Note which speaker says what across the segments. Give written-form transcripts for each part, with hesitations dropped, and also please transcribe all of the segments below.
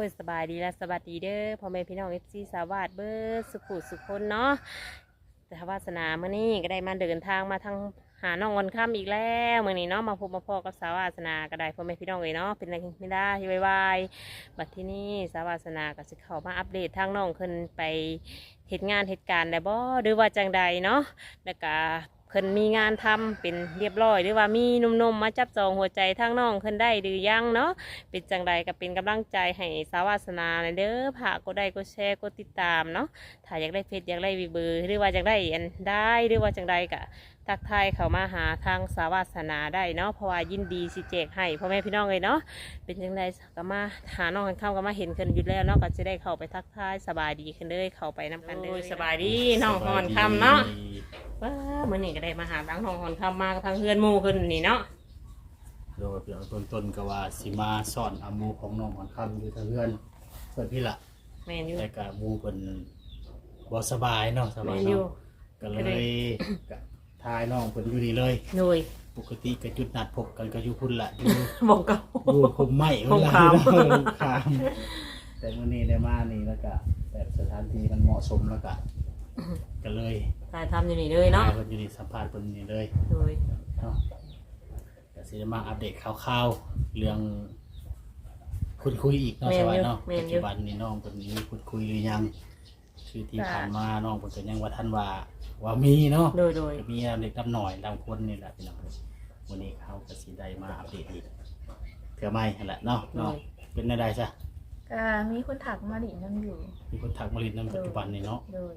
Speaker 1: ยสบายดีและสวัสดีเด้อพ่อแม่พี่น้องFCสาวาสเบิร์สุขุสุขคนเนาะแต่วาสนาเมื่อนี้ก็ได้มาเดินทางมาทางหาน้องวันค่ำอีกแล้วเมื่อนี้เนาะมาพบมาพอกับสาวาสนาก็ได้พ่อแม่พี่น้องเนาะเป็นอะไรไม่ได้ที่วายบัดที่นี่สาวาสนาก็จะเข้ามาอัปเดตทางน้องขึ้นไปเหตุงานเหตุการณ์ได้บ่หรือว่าจังใดเนาะแล้วก็เพิ่นมีงานทำเป็นเรียบร้อยหรือว่ามีหนุ่มๆมาจับจองหัวใจทางน้องเพิ่นได้หรือยังเนาะเป็นจังใดก็เป็นกำลังใจให้สาวาสนาเด้อฝากกดไลค์กดแชร์กดติดตามเนาะถ้าอยากได้เฟซอยากได้วีเบอร์หรือว่าอยากได้อันได้หรือว่าจังใดก็ทักทายเข้ามาหาทางสาวาสนาได้เนาะเพราะว่ายินดีสิแจกให้พ่อแม่พี่น้องเลยเนาะเป็นจังใดก็มาหาน้องกันเข้าก็มาเห็นกันอยู่แล้วเนาะก็จะได้เข้าไปทักทายสบายดีขึ้นเลยเข้าไปนำกันเลยสบายดีน้องฮอนคำเนาะว้าเมื่อนี้ก็ได้มาหาทั้งน้องฮอนคำมาทางเฮือนหมู่ขึ้นนี่เนาะ
Speaker 2: โดยเพียงต้นก็ว่าสิมาสอนอามูของน้องหอนคำอยู่ทางเพื่อนพี่ละ
Speaker 1: แม่นอยู่
Speaker 2: แต่กับมูเป็นบ่สบายเนาะสบายเนาะก็เลยกับทายน้องเพิ่นอยู่นี่เลย
Speaker 1: โดย
Speaker 2: ปกติก็จุดนัดพบกันก็อยู่พุ่นละอยู่
Speaker 1: บอกเก่า
Speaker 2: อยู่คุมไม้เวลาคามแต่มื้อนี้ได้มานี่แล้วก็แบบสถานที่มันเหมาะสมแล้วก็เลย
Speaker 1: ถ่ายทำอยู่นี่เลยเนาะ
Speaker 2: เพิ่นอยู่นี่สัมภาษณ์เพิ่นนี่เลย
Speaker 1: โดย
Speaker 2: เนาะก็สิได้มาอัปเดตคร่าวๆเรื่องคุยอีกเนาะสวัสดีเนาะปัจจุบันนี้น้องคนนี้คุยหรือยังคือที่ผ่านมาน้องคนยังว่าท่านว่ามีเนาะ
Speaker 1: โดย
Speaker 2: มีเด็กดำหน่อยดำคนนี่แหละพี่น้องวันนี้เขาก็สิได้มาอัปเดตอีกเถื่อไม่นั่นแหละเนาะเป็นได้ซะ
Speaker 3: ก็มีคนถักมาดินั่งอยู่
Speaker 2: มีคนถักมาลินในปัจจุบันนี่เนาะ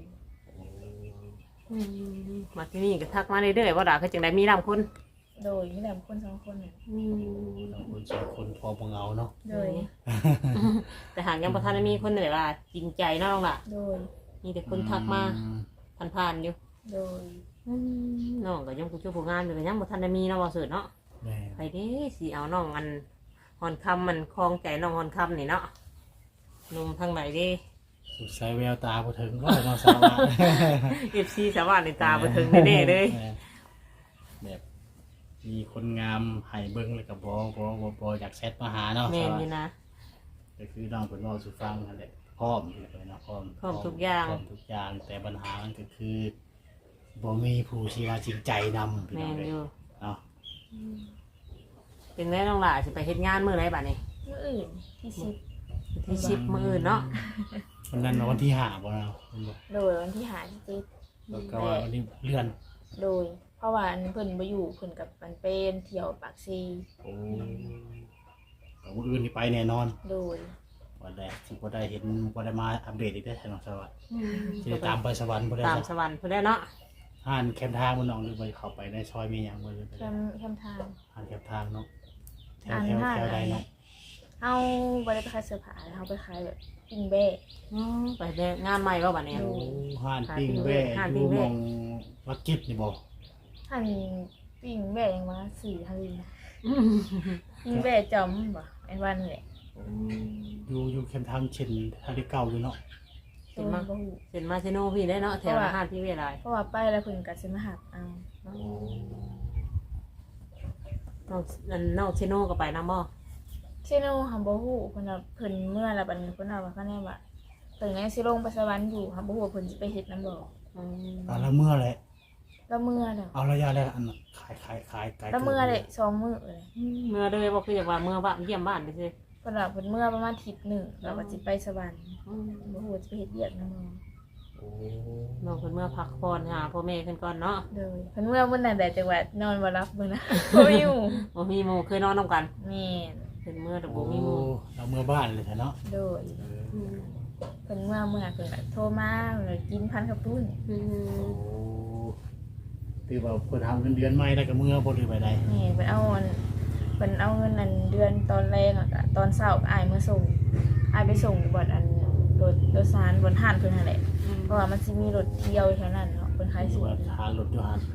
Speaker 1: มาที่นี่ก็ทักมาเรื่อยๆว่าด่าคือจังได้มีดำคน
Speaker 3: โดยมีแต่คน2 คนเนี่ย
Speaker 2: คน2 คนพอบ่เงาเนาะ
Speaker 3: โดย
Speaker 1: แต่หากยังประธานมีคนไหนว่าจริงใจน้องล่ะ
Speaker 3: โดย
Speaker 1: มีแต่คนทักมาผ่านๆอยู่
Speaker 3: โดย
Speaker 1: น้องก็ยังผู้ช่วยผู้งานอยู่ก็ยังประธานมีน้องบ่เสิร์ชเนาะไปเด้สิเอาน้องอันฮอนคำมันคลองใจน้องฮอนคำนี่เนาะนุ่มทางไหนดิ
Speaker 2: ใส่แววตาบ่ถึงก็น้องสาว
Speaker 1: FC สาวาในตาบ่ถึงแน่ๆเลย
Speaker 2: แบบมีคนงามให้เบิ้งเลยกับบอยากแชทมาหาเนาะ
Speaker 1: แม่นอยู่นะ
Speaker 2: ก็คือน้องเป็นว่าสุฟังนั่นแหละพร้อมเลยนะพร้อม
Speaker 1: ทุกอย่าง
Speaker 2: แต่ปัญหามันก็คือบ่มีผู้ที่ว่าจริงใจนำ
Speaker 1: แม่นอยู่
Speaker 2: เนาะ
Speaker 1: เป็นแม่น้องหล่าสิไปเฮ็ดงานมื้อไหนบัดนี้
Speaker 3: มื้ออื่น
Speaker 1: ที่10มื้ออื่นเนาะ
Speaker 2: วันนั้นวันที่5บ่เนาะ
Speaker 3: โดยวันที่5ที่7
Speaker 2: แล้วก็วันนี้เลื่อน
Speaker 3: โดยเพราะว่าเพิ่นบ่อยู่เพิ่นกับมันเป็นเที่ยวปากซี
Speaker 2: โอ้ก็มื้ออื่นนี่ไปแน่นอน
Speaker 3: โดย
Speaker 2: วันแรกสิบ่ได้เห็นบ่ได้มาอัปเดตอีกได้ใช่น้องสวัสดิ์สิตามไปสวรรค์บ่ได้
Speaker 1: ตามสวรรค์เพิ่นได้เนาะ
Speaker 2: ห่านแคมทางบ่น้องหรือบ่เข้าไปในซอยมีหยังบ่เลย
Speaker 3: แคมทาง
Speaker 2: ห่านแคมทางเนาะแถวใดเนาะ
Speaker 3: เฮาบ่ได้ไปขายเสื้อผ้าเฮาไปขายแบบปิ้งเบ้
Speaker 1: ไปงานใหม่บ่บัดนี้
Speaker 2: ห่านปิ้งเบ้อยู่มองวัดกิบนี่บ่
Speaker 3: หั่นปิ้งเบ้ยังว่า4 ทางนะปิ้งเบ้จอมบ่ไอ้วันนี่แหละ
Speaker 2: อยู่แคมทางเช่นทางที่เก่าอยู่เนาะ
Speaker 1: เห็นมาเซโนพี่ได้เนาะแถวอาหารพี่เวลา
Speaker 3: เพราะว่าไปแล้วเพิ่นก็สิมาหักเอา
Speaker 1: น้องเซโนก็ไปนำบ่
Speaker 3: เซโนหำบ่ฮู้เพิ่นว่าเพิ่นเมื่อแล้วบัดนี้เพิ่นว่าคั่นแน่ว่าเพิ่นยังสิลงไปสวรรค์อยู่หำบ่ฮู้ว่าเพิ่นสิไปเฮ็ดนำบ่
Speaker 2: แล้วเมื่อแหละ
Speaker 3: แล้วเมื่อแล้ว
Speaker 2: เอาระยะแล้วอันขาย
Speaker 3: แล้วเมื่อเลย2 มื้อเลย
Speaker 1: เมื่อเลยบ่คืออยากว่าเมื่อบ้านเยี่ยมบ้านไปซิ
Speaker 3: เพิ่นว่าเพิ่นเมื่อประมาณอาทิตย์นึงแล้วก็สิไปสวรรค์บ่ฮู้ว่าสิไปเฮ็ดเวียกนำบ่
Speaker 1: น้องเพิ่นเมื่อพักผ่อนหาพ่อแม่เพิ่นก่อนเนาะ
Speaker 3: เด้อเพิ่นเมื่อมื้อนั้นได้จังว่านอนบ่หลับมื้อนะบ่อยู่
Speaker 1: บ่มีหมู่เคยนอนนำกัน
Speaker 3: แม่น
Speaker 1: เพิ่นเมื่อแต่บ่มีหมู่
Speaker 2: เราเมื่อบ้านเลยเนาะ
Speaker 3: โดยเพิ่นเมื่อเพิ่นก็โทรมาแล้วกินพันกับปุ้น
Speaker 2: คือว่าเพิ่นทำเงินเดือนใหม่แล้วก็เมื่อบ่ได้ไปใด
Speaker 3: นี่เพิ่นเอาเงินอันเดือนตอนแรกอ่ะก็ตอนเช้าก็อ้ายมาส่งอ้ายไปส่งบ่อนอันรถโดยสารบนห้านเพิ่นนั่นแหละเพราะว่ามันสิมีรถเที่ยวแถวนั้นเนาะเพิ่นขายสิ
Speaker 2: นหารถอยู่หั่น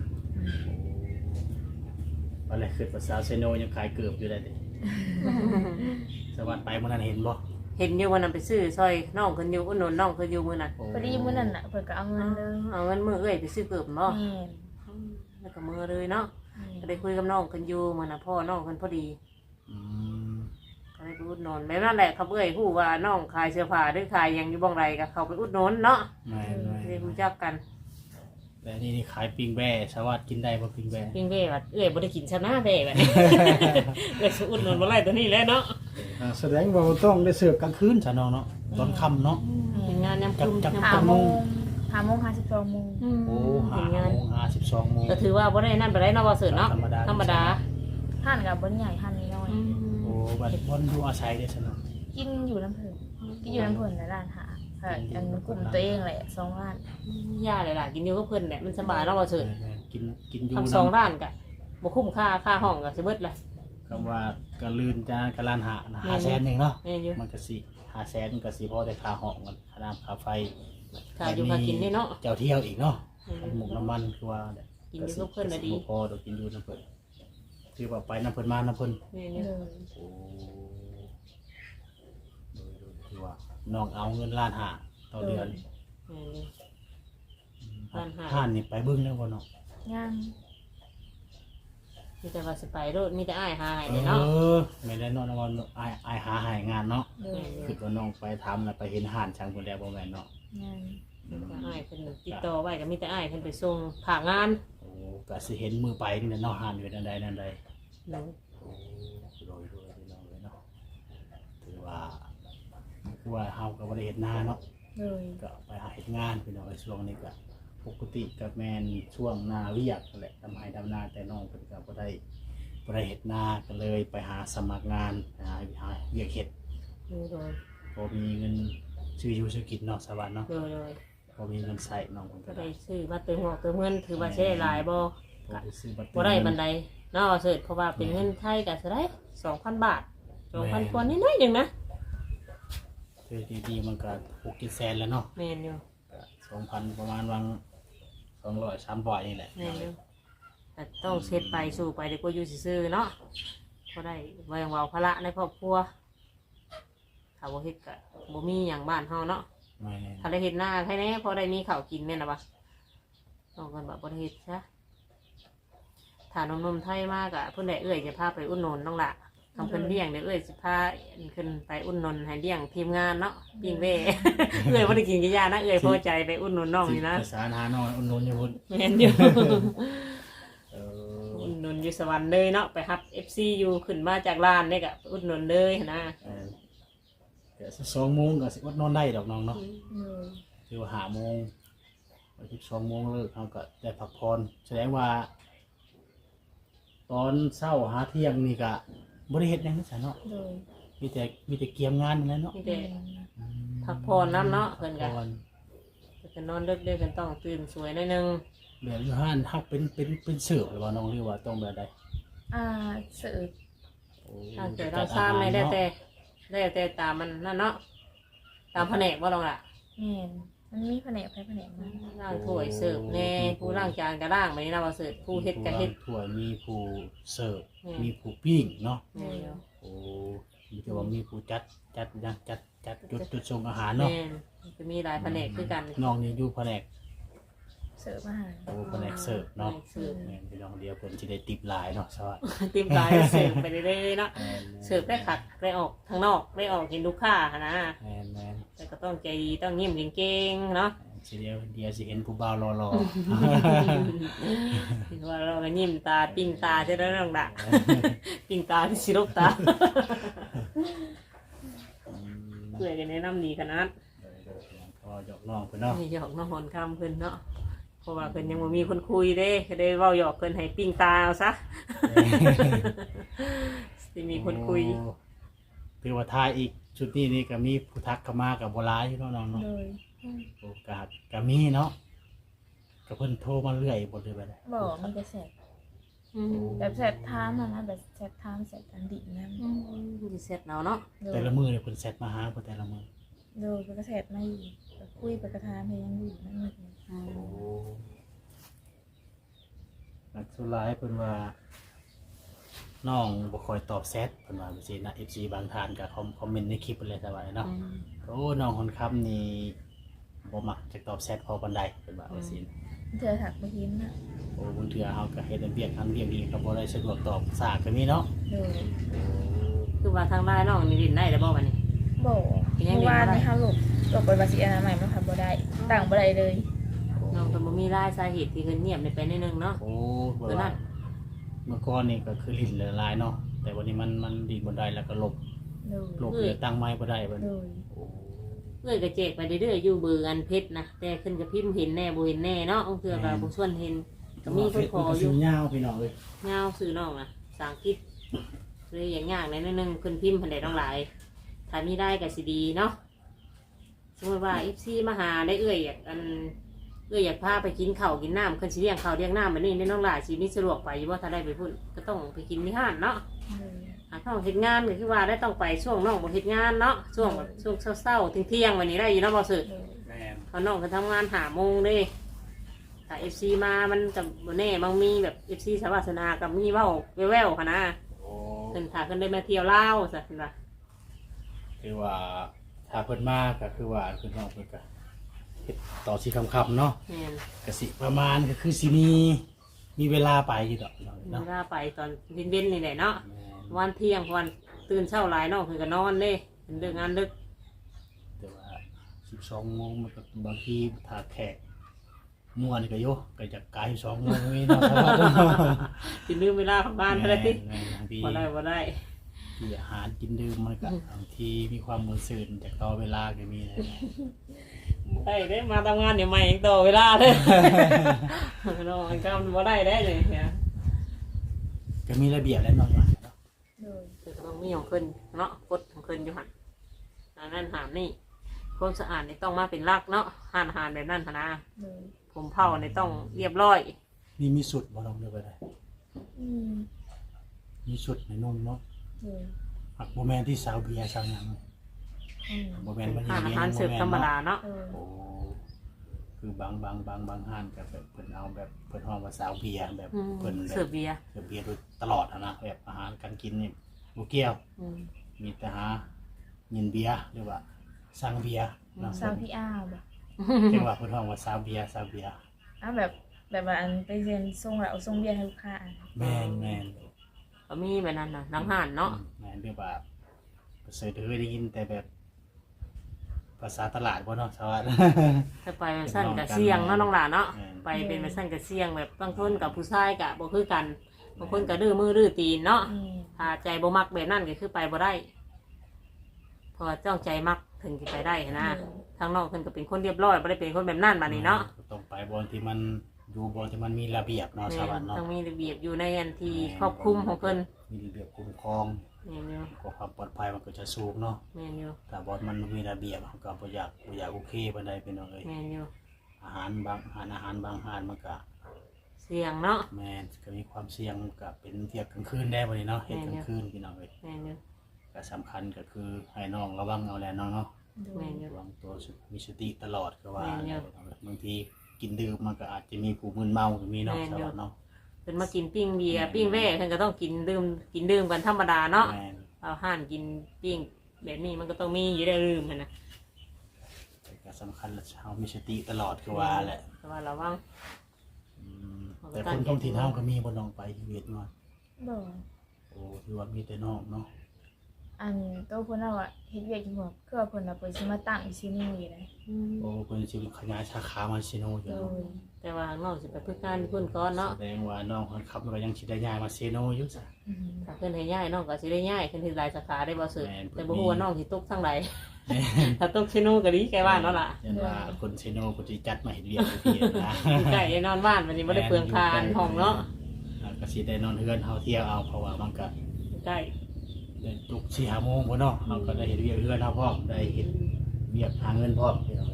Speaker 2: อะไรคือภาษาเซโนยังขายเกือบอยู่ได้ดิสวัสดิ์ไปมื้อนั้นเห็นบ่
Speaker 1: เห็นอยู่วันนั้นไปซื้อซอยน้องเพิ่นอยู่อุดหนุนน้องเพิ่นอยู่มื้อนั้น
Speaker 3: พอดีมื้อนั้นน่ะเพิ่นก็เอาเงินเลย
Speaker 1: เอาเงินมื้อเอ้ยไปซื้อเกือบบ่แล้วก็มื้อเลยเนาะก็ได้คุยกับน้องเพิ่นอยู่มื้อน่ะพ่อน้องเพิ่นพอดีก็ได้ให้ไปอุดหนุนแบบนั้นแหละเขาเอ้ยฮู้ว่าน้องขายเสื้อผ้าหรือขายหยังอยู่บ่งไรก็เข้าไปอุดหนุนเนาะ
Speaker 2: แม่น
Speaker 1: ได้รู้จักกัน
Speaker 2: ๆแต่นี่ขายปิ้งแบ่สวัสดิ์กินได้บ่ปิ้งแบ่
Speaker 1: เพียงเบ้ว่าเอ้ยบ่ได้กินชนะเบ้แบบนี้ เอ้ยสิอุดหนุนบ่ไรตัวนี้แหละเนาะ
Speaker 2: แสดงว่าต้องได้เสิร์ฟกลางคืนซะน้องเนาะตอนค่ำเนาะ
Speaker 1: เป็นงานยามค่ำ
Speaker 2: จับ
Speaker 1: ยาม
Speaker 3: หา
Speaker 1: ค่ำ
Speaker 3: โมง52 โมง
Speaker 2: โอ้
Speaker 1: เป็นงาน
Speaker 2: 5:12 โมง
Speaker 1: ก็ถือว่าบ่ได้นั่นไปได้เนาะบ่เสิร์ชเนาะ
Speaker 2: ธรรมดา
Speaker 1: ธรรมดา
Speaker 3: ท่านกับบ่ใหญ่ท่านน้อย
Speaker 2: โอ้บัดวันดูอาศัยได้ซะเนาะ
Speaker 3: กินอยู่น้ำเพิ่นกินอยู่น้ำเพิ่นในร้านหาอันกลุ่มตัวเองแหละ2ร้าน
Speaker 1: ย่าเลยล่ะกินอยู่กับเพิ่นแหละมันสบายเนาะบ่เสิร์ช
Speaker 2: กินอยู่
Speaker 1: ทำสองร้านก็บ่คุ้มค่าห้องก็สิเบิดละ
Speaker 2: คำว่าก็ลื่นจะกะลานหา500,000นึงเนาะ
Speaker 1: แม่นอยู่
Speaker 2: มันก็สิ500,000มันก็สิพอได้ค่าห้องกันค่าน้ำค่าไฟ
Speaker 1: ค่าอยู่ค่ากินนี่เนาะ
Speaker 2: เจ้าเที่ยวอีกเนาะหมกน้ำมันคือว่า
Speaker 1: กินอยู่กับเพิ่นน่ะดี
Speaker 2: พอดอกกินอยู่น้ำเพิ่นคือว่าไปน้ำเพิ่นมาน้ำเพิ่น
Speaker 1: แม่นอ
Speaker 3: เล
Speaker 1: ยู่
Speaker 3: ย
Speaker 2: โอ้คือว่าน้องเอาเงินล้านหาต่อเดือน
Speaker 1: แม่นอยู่ ล้านห้า
Speaker 2: ห้านนี่ไปเบิ่งแล้วบ่เนาะ
Speaker 3: ย่าง
Speaker 1: มีแต่ว่าสิไปโลดมีแต่อ้ายหาให้
Speaker 2: เอ
Speaker 1: เลยเนาะ
Speaker 2: อไม่ได้เนาะน้องว่าอายหาให้งานเนาะ
Speaker 3: เลย
Speaker 2: คือว่าน้องไปทำแล้วไปเห็นห้านช่างคนแล้วบ่แม่นเนาะ
Speaker 3: ย่าง
Speaker 1: มีแต่อ้ายเพิ่นติดต่อไว้ก็มีแต่อ้ายเพิ่นไปส่งผ่างาน
Speaker 2: โอ้ก็สิเห็นมือไปนี่แหละเนาะห้านอยู่นั่นใดนั่นใด
Speaker 1: เนาะ
Speaker 2: โอ้โดยพี่น้องเลยเนาะถือว่าคือว่าเฮาก็บ่ได้เฮ็ดนาเนาะ
Speaker 3: เลย
Speaker 2: ก็ไปหาเฮ็ดงานพี่น้องไอ้ช่วงนี้ก็ปกติก็แม่นช่วงนาเวียกนั่นแหละทำให้ดำนาแต่น้องเพิ่นก็บ่ได้เฮ็ดนาก็เลยไปหาสมัครงานหาเวียกเฮ็ด
Speaker 1: โดย
Speaker 2: พอมีเงินซื้ออยู่ซื้อกินเนาะสวัสดิ์เนาะ
Speaker 1: โดย
Speaker 2: พอมีเงินใส่น้องเพิ่น
Speaker 1: ก็
Speaker 2: ก็
Speaker 1: ได้
Speaker 2: ได้
Speaker 1: ซื้อมาเติมหัวเติมเงินถือว่าใช้ได้หลายบ่
Speaker 2: พอได้ซื้อบัตร
Speaker 1: บ่ได้บันไดเนาะเสิร์ชเพราะว่าเป็นเงินไทยก็สิได้ 2,000 บาท 2,000กว่านิดหน่อยหนึงนะ
Speaker 2: ซื้อดีๆมันก็6-7แสนแล้วเนาะ
Speaker 1: แม่นอยู่
Speaker 2: ก็2,000ประมาณวัง200 300นี่แหละ
Speaker 1: แม่นอยู่แต่ต้องเช็ดไปสู่ไปดีกว่าอยู่ซื่อๆเนาะก็ได้ไว้เว้าภาระในครอบครัวถ้าบ่เฮ็ดก็บ่มีหยังบ้านเฮาเนาะ
Speaker 2: แม่
Speaker 1: ถ้าได้เฮ็ดหน้าแค่นี้พอได้มีข้าวกินแม่นน่ะบ่ต้องกันแบบบ่ได้เฮ็ดซะถ้านมไทยมากอ่ะเพิ่นได้เอื้อยจะพาไปอุ่นนนน้องละทำเพิ่นเลี้ยงเดี๋ยวเอื้อยสิพาขึ้นไปอุ่นนนให้เลี้ยงทีมงานเนาะปิ้งเว่ เอื้อยบ่ได้กินกี่ยานะเอื้อยพอใจไปอุ่นนนน้องนี่นะ
Speaker 2: ภาษาหาน้อยอุ่นนอยู่พุ่น
Speaker 1: แม่นอยู่
Speaker 2: เออ
Speaker 1: อุ่นนนอยู่สวรรค์เลยเนาะไปรับ FC อยู่ขึ้นมาจากร้านนี่ก็อุ่นนนเลยหั้นนะ
Speaker 2: ก็2โมงก็สิอดนอนได้ดอกน้องเนาะ
Speaker 3: เลย
Speaker 2: คือว่า5โมง12โมงเลิกเฮาก็ได้พักผ่อนแสดงว่า ตอนเช้าหาเที่ยงนี่ก็บ่ได้เฮ็ดหยังซะเนาะ
Speaker 3: เลย
Speaker 2: มีแต่เกียมงานนั่นแหละเนาะ
Speaker 1: มีแต่พักผ่อนน้ำเนาะเพิ่นก็
Speaker 2: พัผ่อน
Speaker 1: จะนอนดึกๆกันต้องตื่นสวยหน่อยนึง
Speaker 2: แบบอยู่ห้านเฮาเป็นเสิร์ฟหรือว่าน้องหรือว่าต้องแบบใด
Speaker 3: เสิร์ฟ
Speaker 2: โอ้
Speaker 1: ถ้าเกิดเราซ้ำไม่ได้แต่ตามมันนั่นเนาะตามแผนกว่าลองล่ะ
Speaker 3: แม่นมันมีแผนกไปแผนกมา
Speaker 1: ล่างถ้วยเสิร์ฟแน่ผู้ล่างจานก็ล่างไปนี่นะว่าเสิร์ฟผู้เฮ็ดก็เฮ็ด
Speaker 2: ถ้วยมีผู้เสิร์ฟ
Speaker 1: อืม
Speaker 2: มีผู้ปิ้งเนาะ
Speaker 1: แม่น
Speaker 2: โอ้มีแต่ว่ามีผู้จัดจุดส่งอาหารเนาะ
Speaker 1: แม่นจะมีหลายแผนกคือกัน
Speaker 2: น้องนี่อยู่แผนก
Speaker 3: เสิร์ฟอาหาร
Speaker 2: โอ้แผนกเสิร์ฟเนาะ
Speaker 1: เสิร์ฟ
Speaker 2: แม่นพี่น้องเดียวเพิ่นสิได้ติปหลายเนาะสวัสดี
Speaker 1: ติมหลายเสิร์ฟไปเรื่อยๆเนาะเสิร์ฟได้ขัดได้ออกทางนอกได้ออกเห็นลูกค้าหั้นนะ
Speaker 2: แม่น
Speaker 1: แต่ก็ต้องใจดีต้องยิ้มเก่งๆเนาะ
Speaker 2: สิเดียวสิเห็นผู้บ่าวรอ
Speaker 1: คิดว่าเราก็ยิ้มตาปิ้งตาจะได้เรื่องดะปิ้งตาที่สิลบตา เพื่อจะแนะนำดีขนาด
Speaker 2: ก็หยอกน้องเพิ่นเนาะ
Speaker 1: ไม่หยอกน้องหอนคำเพิ่นเนาะเพราะว่าเพิ่นยังบ่มีคนคุยเด้ก็ได้เว้าหยอกเพิ่นให้ปิ้งตาเอาซะ สิมีคนคุย
Speaker 2: โอ้คือว่าทายอีกชุดนี้นี่ก็มีผู้ทักเข้ามากับโบราณอยู่เนาะน้องเนาะ
Speaker 3: เลย
Speaker 2: โอกาสก็มีเนาะก็เพิ่นโทรมาเรื่อยบ่ได้บ่ได้
Speaker 3: บอกมันจะแสบแบบแสบทามอะนะแบบแสบทามแสบอันดินนั่น
Speaker 1: สิเสร็จแล้วเนาะ
Speaker 3: เลย
Speaker 2: แต่ละมื้อเนี่ยเพิ่นแชทมาหาเพิ่นแต่ละมื้อ
Speaker 3: เลยไปกระแสบมาอยู่แบบคุยไปกระทามเพลงอยู่นั่นเอง
Speaker 2: นักสุรายเพิ่นว่าน้องบ่ค่อยตอบแชทเพิ่นว่าจังซี่นะ FC บางท่านก็คอมเมนต์ในคลิปเพิ่นเลยสบายเนาะโอ้น้องคนคำนี่บ่มักจะตอบแชทพอปานใดเพิ่นว่าจังซี่นะ
Speaker 3: เธอถักไปยิ้มนะ
Speaker 2: โอ้บางเทื่อเฮาก็เฮ็ดอันเวียกอันเวียกนี่ก็บ่ได้สะดวกตอบสากก็มีเนาะ
Speaker 3: เลย
Speaker 1: คือว่าทางได้น้องนี่ดินได้แต่บ่วันนี้
Speaker 3: บ่เมื่อวานนี่ค่ะลูกไปบาสิอนามัยมันค่ะบ่ได้ต่างบ่ได้เลย
Speaker 1: น้องก็บ่มีรายสาเหตุที่เพิ่นเงียบได้ไปนิดนึงเนาะ
Speaker 2: โอ้บ่ว่าเมื่อก่อนนี่ก็คือลิ้นละลายเนาะแต่วันนี้มันดีบ่ได้แล้วก็ลบ
Speaker 3: เลย
Speaker 2: ลบเลยตั้งไม้บ่ได้บัด
Speaker 3: เล
Speaker 2: นี้
Speaker 3: ย
Speaker 2: โอ้
Speaker 1: เอ้ยก็แจกไปเรื่อยๆอยู่เบอร์อันเพชรนะแต่ขึ้นกับพิมพ์เห็นแน่บ่เห็นแน่เนาะองค์เทื่อก็บ่ชวนเห็นก็มีคนขออยู่
Speaker 2: ยาวพี่น้องเอ้ย
Speaker 1: เงาซื้อน้องนะภาษาอังกฤษเลยอย่างยากในนิดนึงขึ้นพิมพ์พันใดต้องหลายถ้ามีได้ก็สิดีเนาะสมมติว่า FC มาหาได้เอ้ยอยากอยากพาไปกินข้าวกินน้ำขึ้นสิเลี้ยงข้าวเลี้ยงน้ำแบบนี้ในน้องหลายสิมีสะดวกไปอยู่ว่าถ้าได้ไปพุ่นก็ต้องไปกินที่ห้านเนาะ
Speaker 3: เลย
Speaker 1: หาข้าวเฮ็ดงานก็คือว่าได้ต้องไปช่วงน้องบ่เฮ็ดงานเนาะช่วงแบบช่วงเช้าๆเที่ยงๆวันนี้ได้อยู่เนาะบ่สึ
Speaker 3: เลย
Speaker 2: แม่น
Speaker 1: เขาน้องก็ทำงานหาโมงเด้ถ้า FC มามันกับบ่แน่บางมีแบบ FC สวัสนากับมีเว้าแว่วๆค่ะนะ
Speaker 2: โอ้
Speaker 1: เพิ่นถ้าเพิ่นได้มาเที่ยวลาวซะเพิ่นว่า
Speaker 2: คือว่าถ้าเพิ่นมาก็คือว่าเพิ่นน้องเพิ่นก็เฮ็ดต่อสิค่ำๆเนาะ
Speaker 1: แม่น
Speaker 2: ก็สิประมาณก็คือสิมีเวลาไปอยู่ดอกเนาะ
Speaker 1: เวลาไปตอนเย็นๆนี่แหละเนาะ
Speaker 2: แม่น
Speaker 1: วันเที่ยงวันตื่นเช้าหลายเนาะเพิ่นก็นอนเด้เพิ่นเลิกงานดึก
Speaker 2: แต่ว่า12โมงมันก็บางทีถ้าแขกม่วนก็โยก็จะกลาย2โมงนี่เนาะเพราะว่า
Speaker 1: สิลืมเวลาของบ้านเท่านั้นติ
Speaker 2: แม่นบางที
Speaker 1: บ่ได้
Speaker 2: ที่อาหารกินดื่มมันก็บางทีมีความมือสื่นจากต่อเวลาก็มีนะ
Speaker 1: ได้เด้มาทำงานเดี๋ยวใหม่อีกต่อเวลาเด้เนาะมันก็บ่ได้ได้เลยเนี่ย
Speaker 2: ก็มีระเบียบและน้อยว่าเนาะ
Speaker 3: เลย
Speaker 1: คือต้องมีของเพิ่นเนาะกฎของเพิ่นอยู่หั่นอันนั้นหามนี่ความสะอาดนี่ต้องมาเป็นหลักเนาะหานอาหารแบบนั้นหั่นนะ
Speaker 3: เลย
Speaker 1: ผมเผานี่ต้องเรียบร้อย
Speaker 2: นี่มีสุดบ่ลองเลือกไปได้
Speaker 3: อืม
Speaker 2: มีสุดในนุ่มเนาะ
Speaker 3: เลย
Speaker 2: หักโมแมนที่สาวเบียร์สาวหยัง
Speaker 3: อืม
Speaker 2: โมแมนมัน
Speaker 1: หาน
Speaker 2: เบี
Speaker 1: อาย หาร
Speaker 2: ร์
Speaker 1: เสิร์ฟธรรมดาเนาะ
Speaker 3: เออ
Speaker 2: โอ้คือบางห้านก็แบบเพิ่นเอาแบบเพิ่นห้องว่าสาวเบียร์แบบเพิ่นแบบ
Speaker 1: เสิร์ฟเบียร์
Speaker 2: เสิร์ฟเบียร์โดยตลอดอะนะแบบอาหารการกินนี่บ่เกี่ยว
Speaker 1: อืม
Speaker 2: มีแต่หาเงินเบียร์หรือว่าสั่งเบียร์เนาะ
Speaker 3: สาวพี่อ้าวบ่
Speaker 2: เรียกว่าเพิ่นห้องว่าสาวเบียร์
Speaker 3: อ้าวแบบว่าอันไปเรียนส่งแล้วเอาส่งเบียร์ให้ลูกค้า
Speaker 2: แม่น
Speaker 1: ก็มีแบบนั้นน่ะนังห่านเนาะ
Speaker 2: แม่นเรียกว่าเสยเคยได้ยินแต่แบบ ภาษาตลาดบ่เนาะชาวบ้าน
Speaker 1: ถ้าไปแบบสั้นกับเสี่ยงเนาะน้องหลานเนาะ
Speaker 2: อืม
Speaker 1: ไปเป็นแบบสั้นกับเสี่ยงแบบบางคนกับผู้ชายกับบ่คือกันบางคนก็ดื้อมือดื้อตีนเนาะ
Speaker 3: อืม
Speaker 1: ถ้าใจบ่มักแบบนั้นก็คือไปบ่ได้เพราะว่าเจ้าใจมักถึงสิไปได้นะทางนอกเพิ่นก็เป็นคนเรียบร้อยบ่ได้เป็นคนแบบนั้นบัดนี้เนาะ
Speaker 2: ต้องไปบอนที่มันอยู่บอนที่มันมีระเบียบเนาะชาวบ้านเนาะ
Speaker 1: ต้องมีระเบียบอยู่ในอันที่ครอบคลุมของเพิ่น
Speaker 2: มีระเบียบคุ้มครอง
Speaker 1: แม่นอยู่
Speaker 2: ก็ความปลอดภัยมันก็จะสูงเนาะ
Speaker 1: แม่นอยู่
Speaker 2: แต่บอนมันมีระเบียบมันก็บ่อยากโอเคปานใดเป็นเอาเลย
Speaker 1: แม่นอยู่
Speaker 2: อาหารบางอาหารมันก็
Speaker 1: เสี่ยงเนาะ
Speaker 2: แม่นก็มีความเสี่ยงก็เป็นเทียบกลางคืนได้บ่นี่เนาะเฮ็ดกลางคืนพี่น้องเอ้ย
Speaker 1: แม่นอยู่
Speaker 2: ก็สำคัญก็คือให้น้องระวังเอาแหละน้องเนาะ
Speaker 1: แม่นอยู่
Speaker 2: ระวังตัวมีสติตลอดก็ว่า
Speaker 1: แม่นอยู่
Speaker 2: บางทีกินดื่มมันก็อาจจะมีผู้มึนเมาก็มีเนาะ
Speaker 1: แม่น
Speaker 2: ส
Speaker 1: อยู่
Speaker 2: วัสดเนาะ
Speaker 1: เพิ่นมากินปิ้งเบียร์ปิ้งแว่เพิ่นก็ต้องกินดื่มกันธรรมดาเนาะ
Speaker 2: แม่น
Speaker 1: เอาห่านกินปิ้งแบบนี้มันก็ต้องมีอยู่ได้ลืมหั่นนะ
Speaker 2: แต่ก็สำคัญละเฮามีสติตลอดก็ว่าแหละ
Speaker 1: แต่ว่าระวัง
Speaker 2: อืมแต่คนท้องถิ่นเฮาก็มีบ่น้องไปชีวิตเนาะ
Speaker 3: บ่
Speaker 2: โอ้ที่ว่ามีแต่น้องเนาะ
Speaker 3: อันโตเพิ่นเอาอะเฮ็ดเวียกอยู่บ่คือว่าเพิ่นน่ะเปิดสิมาตั้งอีซินี่เลย
Speaker 2: โอ้เพิ่นสิขยายสาขามาซิโนอยู่
Speaker 3: โด
Speaker 2: เนาะ
Speaker 3: ย
Speaker 1: แต่ว่าข้างนอกสิไปพึ่งงานพุ่นก่อนเนาะ
Speaker 2: แสดงว่าน้องคนขับมันก็ยังสิได้ย้ายมาซิโนอยู่จ้ะ
Speaker 3: อืม
Speaker 1: ถ้าเพิ่นให้ย้ายน้องก็สิได้ย้ายเพิ่นสิหลายสาขาได้บ่สึก
Speaker 2: แม่น
Speaker 1: แต่บ่ฮู้ว่าน้องสิตกทางใด ถ้าตกชิโนก็ดีแกว่าเนาะล่ะ
Speaker 2: ยันว่าคนซิโนก็สิจัดมาเฮ็ดเวียกให้พี่นะ
Speaker 1: อยู่ใกล้ได้นอนบ้านวันนี้บ่ได้เปลืองคานห้องเนาะ
Speaker 2: แล้วก็สิได้นอนเฮือนเฮาเที่ยวเอาเพราะว่ามันก็
Speaker 1: อยู่ใกล้
Speaker 2: ได้ตุก4-5 โมงพุ่นเนาะเฮาก็ได้เฮ็ดเวียกเฮือนเฮาพร้อมได้เฮ็ดเวียกหาเงินพร้อมพี่น้อง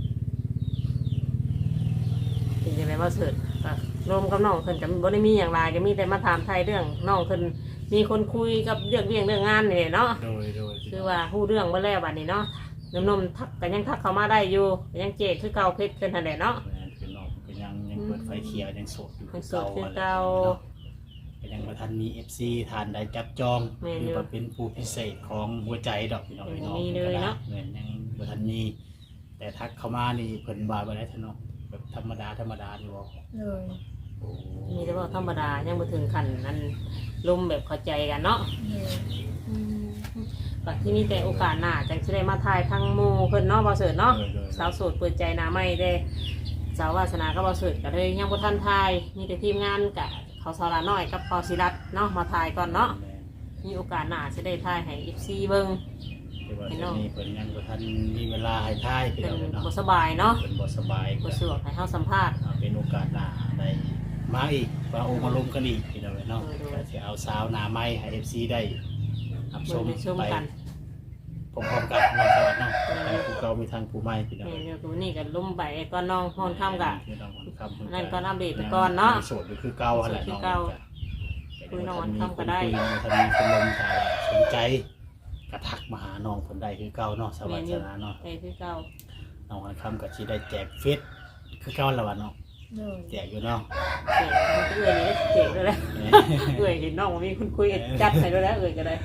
Speaker 1: เป็นจังได๋บ่สึกก็รวมกับน้องเพิ่นก็บ่ได้มีหยังหลายก็มีแต่มาถามไทยเรื่องน้องเพิ่นมีคนคุยกับเรื่องเรื่องงานนี่แหละเนาะ
Speaker 2: โดย
Speaker 1: คือว่าฮู้เรื่องเบ่แล้วบัดนี้เนาะนมๆทักก็ยังทักเข้ามาได้อยู่ก็ยังเจ๊คือเก่าเพชรขึ้นหั่นแหละเนาะ
Speaker 2: แม่นคือน้องก็ยังเปิดไฟเขียวยังโสดอยู่
Speaker 1: ยังโสดคือเก่า
Speaker 2: ก็ยังบ่ทันมี FC ทานได้จับจอง
Speaker 1: แม่นอยู่
Speaker 2: หรือว่าเป็นผู้พิเศษของหัวใจดอกพี่น้อง
Speaker 1: ยังมีเลยเนาะ
Speaker 2: แม่นยังบ่ทันมีแต่ทักเข้ามานี่เพิ่นว่าบ่ได้ทะเนาะแบบธรรมดานี่บ่
Speaker 3: เลย
Speaker 2: โอ้
Speaker 1: มีแต่ว่าธรรมดายังบ่ถึงขั้นนั้นลมแบบเข้าใจกันเนาะ
Speaker 3: เลย
Speaker 1: อืมก็ที่นี่แต่โอกาสหน้าจังสิได้มาถ่ายทางหมู่เพิ่นเนาะบ่เสิร์ชเนาะ
Speaker 2: โดย
Speaker 1: สาวโสดเปิดใจหน้าใหม่เด้สาววาสนาก็บ่เสิร์ชก็เลยยังบ่ทันถ่ายมีแต่ทีมงานกะเขาสาราน้อยกับปอศิรัตน์เนาะมาถ่ายก่อนเนาะมีโอกาสหน้าสิได้ถ่ายให้ FC เบิ่ง
Speaker 2: แต่ว่าตอนนี้เพิ่นยังบ่ทันมีเวลาให้ทายพี่
Speaker 1: เป็
Speaker 2: น้
Speaker 1: น
Speaker 2: องเนาะ
Speaker 1: บ่สบายเนาะ
Speaker 2: เพิ่นบ่สบาย
Speaker 1: บ่สะดวกให้เฮาสัมภาษณ์
Speaker 2: เป็นโอกาสหน้าได้มาอีกมาองค์มาลมกันอีกพี่น้องเนาะก็สิเอาสาวหน้าใหม่ให้ FC ได้รับช
Speaker 1: เบิ่ง
Speaker 2: ม
Speaker 1: ได้ชม
Speaker 2: ไป
Speaker 1: กัน
Speaker 2: พร้อมๆกันเนาะสวัสดีเนาะทั้งผู้เก่ามีทั้งผู้ใหม่พี่น้อง
Speaker 1: แม่นอยู่ตรงนี้ก็ลุ่มไปก่อนน้องฮ้อนค่ำกะ
Speaker 2: พี่น้องคนค้ำ
Speaker 1: นั่นก่อนอัปเดตไปก่อนเนาะ
Speaker 2: โสดก็คือเก่าหั่นแหละ
Speaker 1: คือ
Speaker 2: น้อง
Speaker 1: เก่า คุยน้องวันค่ำก็ได้
Speaker 2: ถ้ามีคนลมถ้าสนใจก็ทักมาหาน้องเพิ่นได้คือเก่าเนาะสวัสดีเนาะ
Speaker 1: ไปคือเก่า
Speaker 2: น้องวันค่ำก็สิได้แจกเฟซคือเก่าแล้ววะเนาะ
Speaker 3: โดย
Speaker 2: แจกอยู่เนาะ
Speaker 1: เจ๊มันก็เอื่อยนี่ได้เจ๊ด้วยแหละเอื่อยเห็นน้องว่ามีคนคุยจัดให้ด้วยแล้วเอื่อยก็ได้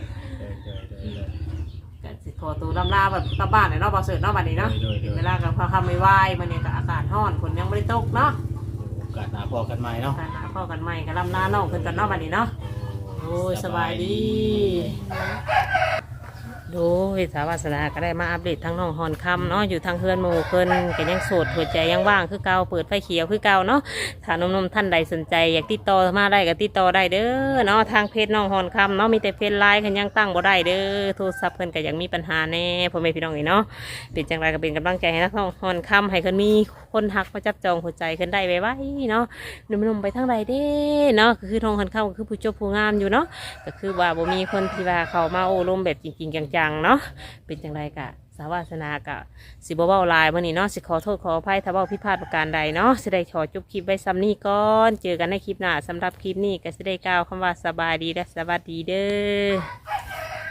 Speaker 1: ก็สิขอตัวลำลาแบบกลับบ้านเลยเนาะบ่เสิร์ชเนาะบัดนี้เนาะถึงเวลากับพอคำไม่ไหวมันเนี่ยก็อากาศร้อนฝนยังไม่ได้ตกเนาะ
Speaker 2: โอกาสหน้าพอกันใหม่เนาะ
Speaker 1: การหาพ่อกันใหม่ก็ลำลาน้องเพิ่นกันเนาะบัดนี้เนาะโอ้ยสบายดีโดยสาวาสนาก็ได้มาอัปเดตทั้งน้องฮอนคำเนาะอยู่ทางเพื่อนหมู่เพิ่นก็ยังโสดหัวใจยังว่างคือเก่าเปิดไฟเขียวคือเก่าเนาะถ้าหนมๆท่านใดสนใจอยากติดต่อมาได้ก็ติดต่อได้เด้อเนาะทางเพจน้องฮอนคำเนาะมีแต่เพจไลน์คันยังตั้งบ่ได้เด้อโทรศัพท์เพิ่นก็ยังมีปัญหาแน่พ่อแม่พี่น้องนี่เนาะเป็นจังไรก็เป็นกำลังใจให้นักน้องฮอนคำให้เพิ่นมีคนหักมาจับจองหัวใจเพิ่นได้ไว้เนาะหนุ่มๆไปทางใดเด้เนาะก็คือทองคันเข้าก็คือผู้จบผู้งามอยู่เนาะก็คือว่าบ่มีคนที่ว่าเข้ามาโอ้ลมแบบจริงๆจังๆเนาะ เป็นจังไรกะสาวาสนากะสิบ่เว้าลายมื้อนี้เนาะสิขอโทษขออภัยถ้าเว้าผิดพลาดประการใดเนาะสิได้ขอจบคลิปไว้ซ้ำนี้ก่อนเจอกันในคลิปหน้าสำหรับคลิปนี้ก็สิได้กล่าวคำว่าสบายดีและสวัสดีเด้อ